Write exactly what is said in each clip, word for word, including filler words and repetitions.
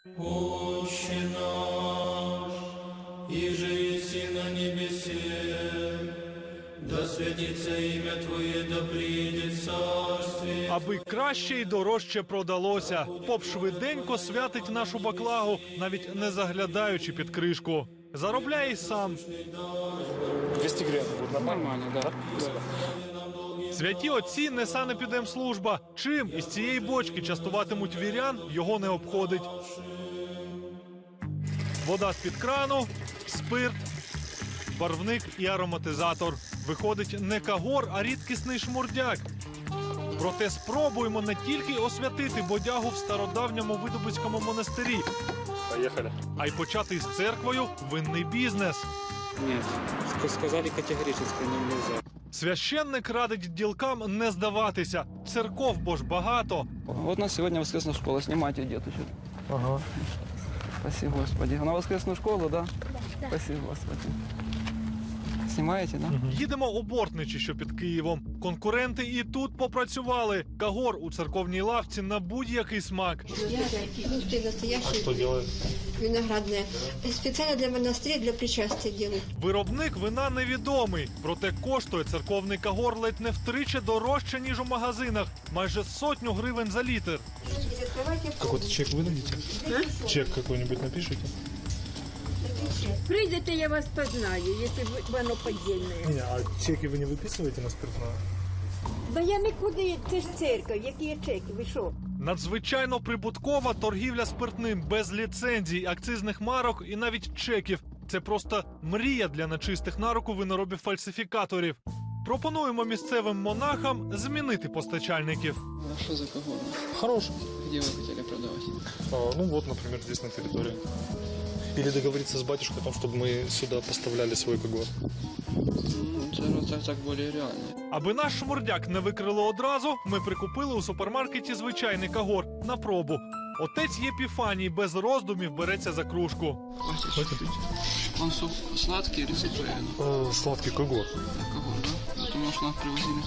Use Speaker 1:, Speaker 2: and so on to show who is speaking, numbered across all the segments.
Speaker 1: Отче наш, иже еси на небесе, да святится имя Твоє, да приїдет царствие.
Speaker 2: Аби краще і дорожче продалося, поп швиденько святить нашу баклагу, навіть не заглядаючи під кришку. Заробляє й сам.
Speaker 3: двести гривен будет нормально?
Speaker 4: Нормально, да.
Speaker 2: Святі отці не санепідемслужба. Чим із цієї бочки частуватимуть вірян, його не обходить. Вода з-під крану, спирт, барвник і ароматизатор. Виходить не кагор, а рідкісний шмурдяк. Проте спробуємо не тільки освятити бодягу в стародавньому Видубицькому монастирі,
Speaker 3: Поехали.
Speaker 2: а й почати з церквою винний бізнес.
Speaker 4: Нет, ск- сказали категорически, нам нельзя.
Speaker 2: Священник радить ділкам не здаватися. Церков бо ж багато.
Speaker 5: Вот у нас сегодня воскресная школа. Снимайте, деточек.
Speaker 3: Ага.
Speaker 5: Спасибо, Господи. На воскресную школу, да? Да. Спасибо, Господи. Снимаете, да?
Speaker 2: Їдемо у Бортничі, що під Києвом. Конкуренти і тут попрацювали. Кагор у церковній лавці на будь-який смак.
Speaker 6: Густой настоящий.
Speaker 3: Что делает?
Speaker 6: Виноградная. Специально для монастыря, для причастия делают.
Speaker 2: Виробник вина невідомий, проте коштує церковний кагор ледь не втричі дорожче, ніж у магазинах. Майже сотню гривень за літр.
Speaker 3: Какой-то чек выдадите? А? Чек какой-нибудь напишите?
Speaker 7: Прийдете, я вас познаю, якщо воно подільне.
Speaker 3: Не, а чеки вы не выписываете на спиртное?
Speaker 7: Да я нікуди, це ж церква, які є чеки, ви що?
Speaker 2: Надзвичайно прибуткова торгівля спиртним без ліцензій, акцизних марок і навіть чеків. Це просто мрія для нечистих на руку виноробів-фальсифікаторів. Пропонуємо місцевим монахам змінити постачальників.
Speaker 5: А что за кого?
Speaker 3: Хороший.
Speaker 5: Где вы хотели продавать?
Speaker 3: А, ну вот, например, здесь на территории. Или договориться с батюшкой о том, чтобы мы сюда поставляли свой когор.
Speaker 5: Ну, это так, так более реально.
Speaker 2: Аби наш шмурдяк не викрили одразу, ми прикупили у супермаркеті звичайний кагор на пробу. Отець Єпіфаній без роздумів береться за кружку.
Speaker 5: Хватит чуть-чуть. Он су- сладкий или сухой?
Speaker 3: Э, сладкий когор.
Speaker 5: Кого, да? Это, может, нам привозили.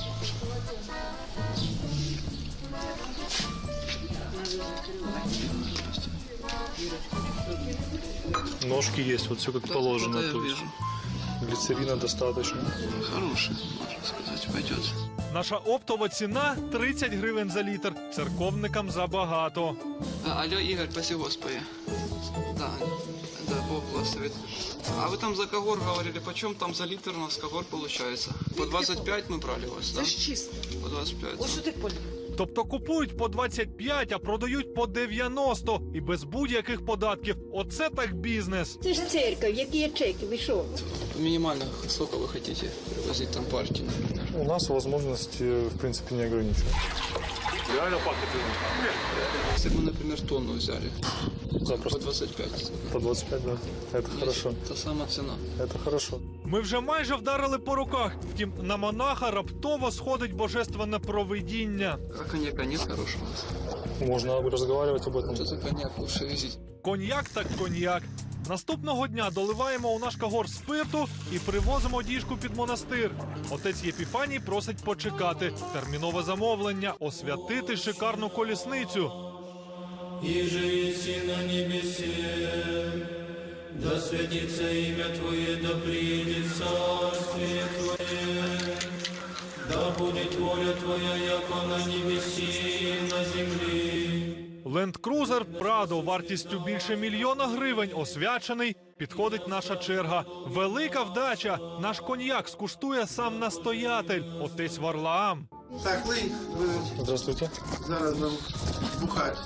Speaker 3: Ножки есть, вот все как положено.
Speaker 5: Да, я
Speaker 3: то есть
Speaker 5: вижу.
Speaker 3: глицерина достаточно.
Speaker 5: Хороший, можно сказать, пойдет.
Speaker 2: Наша оптова ціна тридцять гривень за літр. Церковникам забагато.
Speaker 5: А, алло, Игорь, спасибо, Господи. Да, да, Бог благословит. А вы там за когор говорили, почем там за литр у нас когор получается? По двадцать пять мы брали у вас, да?
Speaker 8: Це ж чисто.
Speaker 5: По двадцать пять.
Speaker 8: Ось що ти поняв?
Speaker 2: Тобто купують по двадцять п'ять, а продають по дев'яносто і без будь-яких податків. Оце так бізнес.
Speaker 7: Це ж церква, які є чеки, ви що?
Speaker 5: Минимально сколько вы хотите привозить там партии, например?
Speaker 3: У нас возможности, в принципе, не ограничены. Реально пахнет вином.
Speaker 5: Если бы мы, например, тонну взяли, по
Speaker 3: Запросто.
Speaker 5: двадцать пять.
Speaker 3: По двадцать пять, да. Это хорошо.
Speaker 5: Та сама цена.
Speaker 3: Это хорошо.
Speaker 2: Ми вже майже вдарили по руках. Втім, на монаха раптово сходить божественне провидіння.
Speaker 5: А коньяка нет хорошего?
Speaker 3: Можно разговаривать об этом.
Speaker 5: Вот это коньяк лучше везить.
Speaker 2: Коньяк так коньяк. Наступного дня доливаємо у наш кагор спирту і привозимо діжку під монастир. Отець Єпіфаній просить почекати. Термінове замовлення – освятити шикарну колісницю.
Speaker 1: Иже еси на небесе, да святится имя Твое, да приедет царствие Твое, да будет воля Твоя, яко на небеси и на земле.
Speaker 2: Ленд-крузер Прадо вартістю більше мільйона гривень освячений. Підходить наша черга. Велика вдача. Наш коньяк скуштує сам настоятель, отець Варлаам.
Speaker 9: Так, ви, ви
Speaker 3: Здравствуйте.
Speaker 9: зараз нам бухать.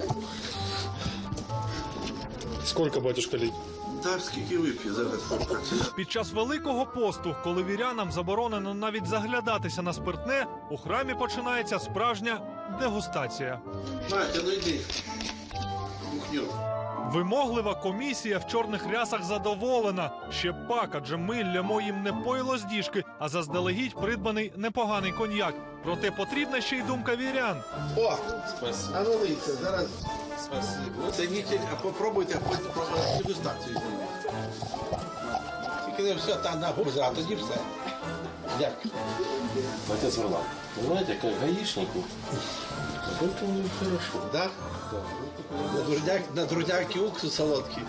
Speaker 3: Сколько, батюшка, лить?
Speaker 9: Так, скільки вип'є зараз бухать.
Speaker 2: Під час Великого посту, коли вірянам заборонено навіть заглядатися на спиртне, у храмі починається справжня дегустація.
Speaker 9: Настя, ну йди. Бухню.
Speaker 2: Вимоглива комісія в чорних рясах задоволена. Ще пак, адже ми лямо їм не пойло з діжки, а заздалегідь придбаний непоганий коньяк. Проте потрібна ще й думка вірян.
Speaker 9: О, а ну лийте, зараз. Спасибо. Оцініть, а попробуйте, а потім про дегустацію зніміть. Тільки не все, та на губза, а тоді все. Як?
Speaker 8: Отец Варлам, вы знаете, как гаишнику, это у него хорошо.
Speaker 9: Да? На дурняк, на дурняки уксус солодкий.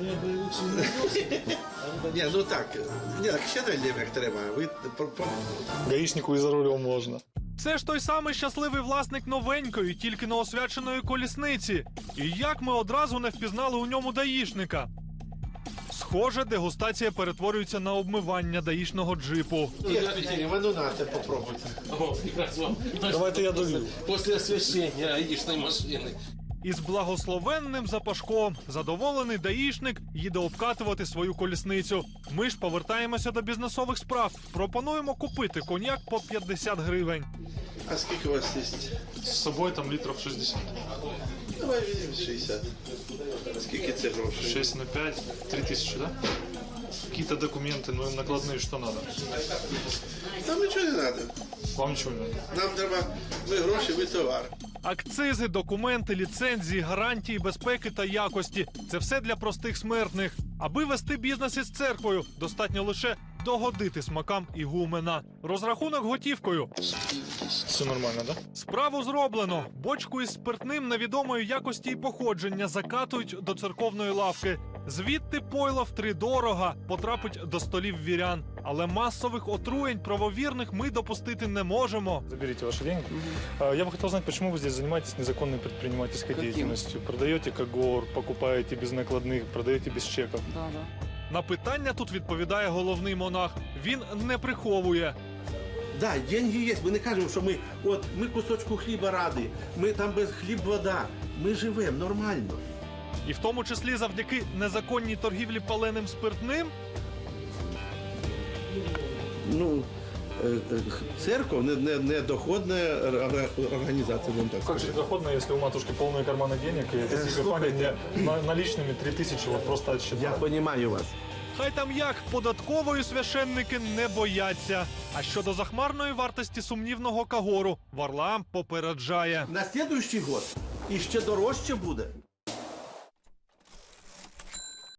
Speaker 9: Ні, ну так. Ні, так ще не як треба. Ви про- про-
Speaker 3: Гаишнику и за рулем можно.
Speaker 2: Це ж той самий щасливий власник новенької, тільки неосвяченої колісниці. І як ми одразу не впізнали у ньому даїшника? Схоже, дегустація перетворюється на обмивання даїшного джипу.
Speaker 9: Є спеціальні, ну нате, попробуйте.
Speaker 8: О, как вам.
Speaker 3: Давайте я долью.
Speaker 8: После освещения гаишной машины.
Speaker 2: Із благословенним запашком задоволений даїшник їде обкатувати свою колісницю. Ми ж повертаємося до бізнесових справ. Пропонуємо купити коньяк по п'ятдесят гривень.
Speaker 9: А скільки у вас є?
Speaker 3: С собой там литров шестьдесят.
Speaker 9: Давай візьмемо шістдесят. Скільки це грошей?
Speaker 3: шесть на пять, три тысячи, да? Какие-то документы, ну накладные, что надо?
Speaker 9: Нам нічого не треба.
Speaker 3: Вам ничего не надо.
Speaker 9: Нам треба, ви гроші, ви товар.
Speaker 2: Акцизи, документи, ліцензії, гарантії безпеки та якості – це все для простих смертних. Аби вести бізнес із церквою, достатньо лише догодити смакам ігумена. Розрахунок готівкою.
Speaker 3: Все нормально, да?
Speaker 2: Справу зроблено. Бочку із спиртним невідомої якості і походження закатують до церковної лавки. Звідти пойло втридорога потрапить до столів вірян. Але масових отруєнь правовірних ми допустити не можемо.
Speaker 3: Заберите ваши деньги. А, Я бы хотел знать, почему вы здесь занимаетесь незаконной предпринимательской
Speaker 5: Каким?
Speaker 3: деятельностью? Продаете когор, покупаете без накладных, продаете без чеков.
Speaker 5: Да, да.
Speaker 2: На питання тут відповідає головний монах. Він не приховує.
Speaker 9: Да, деньги є. Ми не кажемо, що ми, от, ми кусочку хліба раді, ми там без хліб вода. Ми живемо нормально.
Speaker 2: І в тому числі завдяки незаконній торгівлі паленим спиртним.
Speaker 9: Ну, е, е, церковь не, не, не доходна ор- організація, будемо так
Speaker 3: Как же
Speaker 9: сказати.
Speaker 3: доходно, если у матушки полные карманы денег, и эта Стефания мне на- наличными три тысячи вот просто
Speaker 9: Я
Speaker 3: отсчитала.
Speaker 9: розумію вас.
Speaker 2: Хай там як, податкової священники не бояться. А щодо захмарної вартості сумнівного кагору, Варлаам попереджає.
Speaker 9: На наступний год іще дорожче буде.